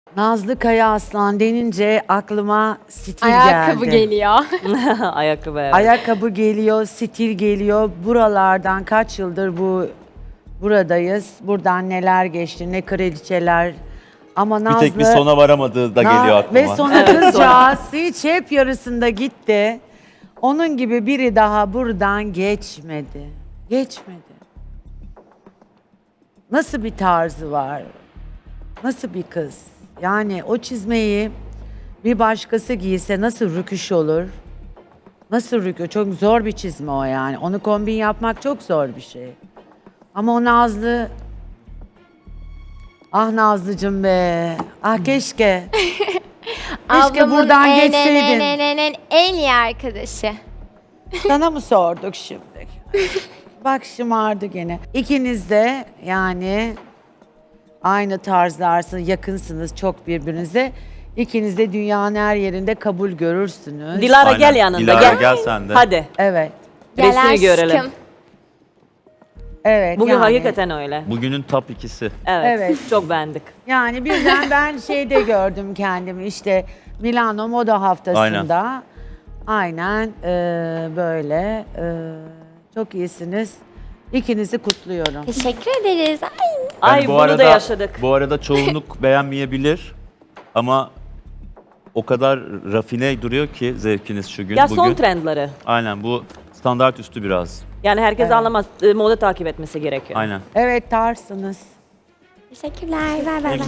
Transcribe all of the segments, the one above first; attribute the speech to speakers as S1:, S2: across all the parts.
S1: Nazlı Kaya Aslan denince aklıma stil
S2: Ayakkabı
S1: geldi.
S2: geliyor.
S3: Ayakkabı evet.
S1: Ayakkabı geliyor, stil geliyor. Buralardan kaç yıldır buradayız. Buradan neler geçti, ne kraliçeler. Ama
S4: Bir
S1: Nazlı...
S4: tek bir sona varamadığı da geliyor aklıma.
S1: Ve sonra kızcağız hiç hep yarısında gitti. Onun gibi biri daha buradan geçmedi. Geçmedi. Nasıl bir tarzı var? Nasıl bir kız? Yani o çizmeyi bir başkası giyse nasıl rüküş olur? Nasıl rüküş? Çok zor bir çizme o yani. Onu kombin yapmak çok zor bir şey. Ama o Nazlı... Ah Nazlıcım be. Ah keşke. Keşke
S2: Ablamın
S1: buradan geçseydin.
S2: en iyi arkadaşı.
S1: Sana mı sorduk şimdi? Bak şımardı gene. İkiniz de yani aynı tarzlarsınız, yakınsınız çok birbirinize. İkiniz de dünyanın her yerinde kabul görürsünüz.
S3: Dilara
S4: Aynen.
S3: gel yanında
S4: Dilara,
S3: gel.
S4: gel sen de.
S3: Hadi.
S1: Evet.
S2: Gel
S3: Resmi
S2: aşkım.
S3: görelim.
S1: Evet.
S3: Bugün
S1: yani,
S3: hakikaten öyle.
S4: Bugünün top ikisi.
S3: Evet.
S1: Evet.
S3: Çok beğendik.
S1: Yani birden ben şeyde gördüm kendimi işte Milano Moda Haftası'nda. Aynen böyle. Çok iyisiniz. İkinizi kutluyorum.
S2: Teşekkür ederiz. Ay.
S3: Ay bunu da yaşadık.
S4: Bu arada çoğunluk beğenmeyebilir ama o kadar rafine duruyor ki zevkiniz şu gün.
S3: Ya
S4: bugün.
S3: son trendleri.
S4: Aynen bu standart üstü biraz.
S3: Yani herkes
S1: Evet.
S3: anlamaz. Moda takip etmesi gerekiyor.
S4: Aynen.
S1: Evet tarsınız.
S2: Teşekkürler. Ver ver ver.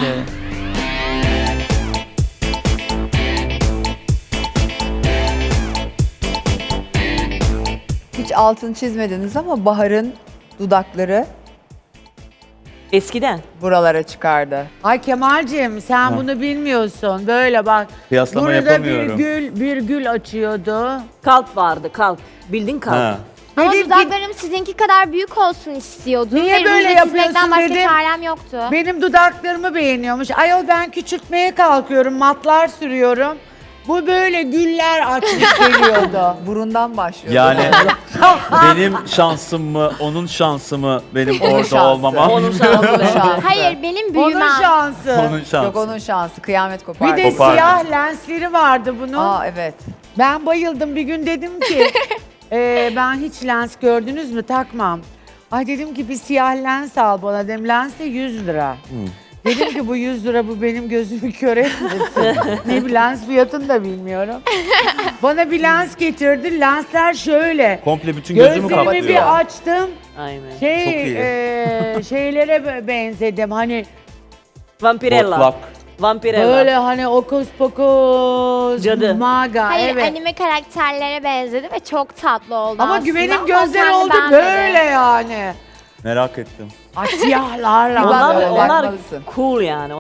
S5: Hiç altını çizmediniz ama Bahar'ın dudakları
S3: Eskiden.
S5: buralara çıkardı.
S1: Ay Kemal'cim sen bunu bilmiyorsun. Böyle bak.
S4: Kıyaslama
S1: Burada
S4: yapamıyorum.
S1: bir gül açıyordu.
S3: Kalp vardı kalp. Bildin kalp.
S4: Ha.
S2: Ama
S1: Dedim ki,
S2: dudaklarım sizinki kadar büyük olsun istiyordum.
S1: Niye
S2: Ve
S1: böyle
S2: ruj
S1: yapıyorsun
S2: çizmekten başka
S1: dedim.
S2: çarem yoktu.
S1: benim dudaklarımı beğeniyormuş. Ayol ben küçültmeye kalkıyorum, matlar sürüyorum. Bu böyle güller açmış geliyordu.
S5: Burundan başlıyor.
S4: Yani benim şansım mı, onun şansı mı benim
S5: Onun
S4: orada
S5: şansı.
S4: olmamam?
S3: Onun şansı.
S5: Onun şansı.
S2: Hayır benim
S1: Onun
S2: büyümem.
S1: şansı.
S4: Onun şansı.
S5: Yok onun şansı. Kıyamet
S1: Bir
S5: kopardı.
S1: de
S4: Kopardı.
S1: siyah lensleri vardı bunun.
S5: Aa evet.
S1: Ben bayıldım. Bir gün dedim ki ben hiç lens gördünüz mü takmam. Ay dedim ki bir siyah lens al bana dedim. Lens de 100 lira. Dedim ki bu 100 lira bu benim gözümü kör etmesin. Ne bir lens fiyatını da bilmiyorum. Bana bir lens getirdi. Lensler şöyle.
S4: Komple bütün gözümü
S1: Gözlerimi
S4: kapatıyor.
S1: bir açtım.
S3: Aynen.
S4: Çok iyi.
S1: Şeylere benzedim. Hani
S3: Vampirella.
S4: Botlak.
S3: Vampirella.
S1: böyle hani okus pokus,
S3: Cadı.
S1: maga.
S2: Hayır
S1: evet.
S2: anime karakterlere benzedi ve çok tatlı oldu
S1: Ama
S2: aslında.
S1: güvenim
S2: Ama
S1: gözleri
S2: sen de
S1: oldu
S2: beğenmedin.
S1: böyle yani.
S4: Merak ettim.
S1: Siyahlarla.
S3: Onlar,
S5: Böyle
S3: onlar
S5: bakmalısın.
S3: cool yani.